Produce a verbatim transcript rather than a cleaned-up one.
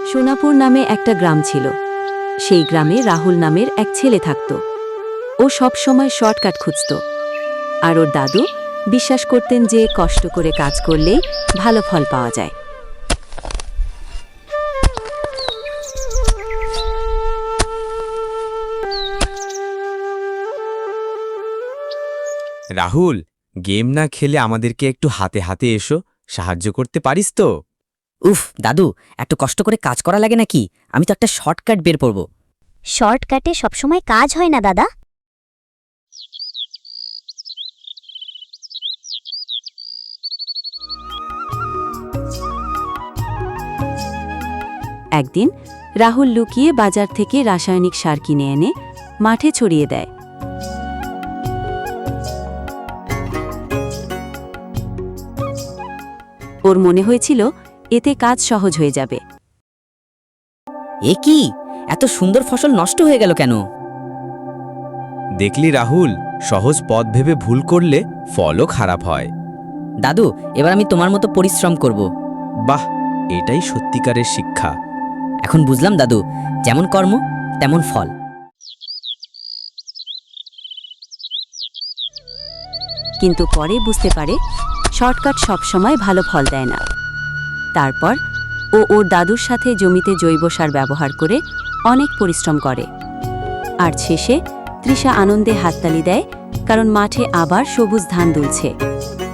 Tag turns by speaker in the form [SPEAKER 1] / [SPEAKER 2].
[SPEAKER 1] সোনাপুর নামে একটা গ্রাম ছিল। সেই গ্রামে রাহুল নামের এক ছেলে থাকত। ও সব সময় শর্টকাট খুঁজত, আর ওর দাদু বিশ্বাস করতেন যে কষ্ট করে কাজ করলেই ভালো ফল পাওয়া যায়।
[SPEAKER 2] রাহুল, গেম না খেলে আমাদেরকে একটু হাতে হাতে এসো, সাহায্য করতে পারিস তো?
[SPEAKER 3] উফ দাদু, এত কষ্ট করে কাজ করা লাগে নাকি? আমি তো একটা শর্টকাট বের করব।
[SPEAKER 4] শর্টকাটে সবসময় কাজ হয় না দাদা।
[SPEAKER 1] একদিন রাহুল লুকিয়ে বাজার থেকে রাসায়নিক সার কিনে এনে মাঠে ছড়িয়ে দেয়। ওর মনে হয়েছিল এতে কাজ সহজ হয়ে যাবে।
[SPEAKER 3] এ কি, এত সুন্দর ফসল নষ্ট হয়ে গেল কেন?
[SPEAKER 2] দেখলি রাহুল, সহজ পথ ভেবে ভুল করলে ফলও খারাপ হয়।
[SPEAKER 3] দাদু, এবার আমি তোমার মতো পরিশ্রম করব।
[SPEAKER 2] বাহ, এটাই সত্যিকারের শিক্ষা।
[SPEAKER 3] এখন বুঝলাম দাদু, যেমন কর্ম তেমন ফল।
[SPEAKER 1] কিন্তু পরে বুঝতে পারে শর্টকাট সবসময় ভালো ফল দেয় না। তারপর ও ওর দাদুর সাথে জমিতে জৈব সার ব্যবহার করে অনেক পরিশ্রম করে। আর শেষে তৃষা আনন্দে হাততালি দেয়, কারণ মাঠে আবার সবুজ ধান দুলছে।